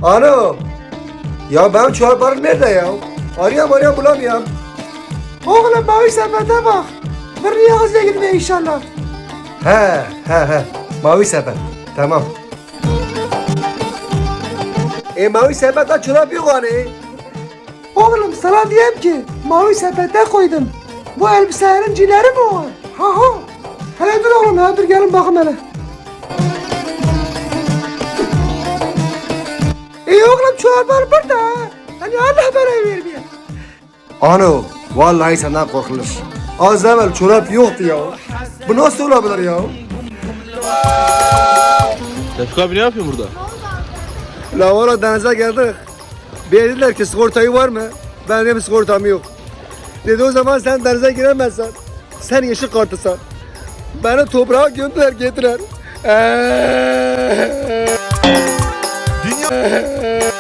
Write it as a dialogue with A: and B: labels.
A: Alo. Ya benim çorbarım nerede ya? Arıyorum bulamıyorum.
B: Oğlum mavi sepete bak. Bir yazıya gitmeye inşallah.
A: He. Mavi sepet. Tamam. Mavi sepette çorap yok hani.
B: Oğlum sana diyeyim ki mavi sepete koydum. Bu elbiselerin cileri mi var? Ha. Hele dur oğlum ya dur gelin bakın hele. Oğlum çoraplar burada. Hani Allah bana vermiyor.
A: Ano, vallahi senden korkulur. Az evvel çorap yoktu ya. Bu nasıl olabilir ya?
C: Tevfik abi ne yapıyorsun burada?
A: La valla denize geldik. Dediler ki sigortayı var mı? Ben dedim sigortam yok. Dedi o zaman sen denize giremezsen. Sen yeşil kartısın. Beni toprağa gömdüler getiren.
D: Dünya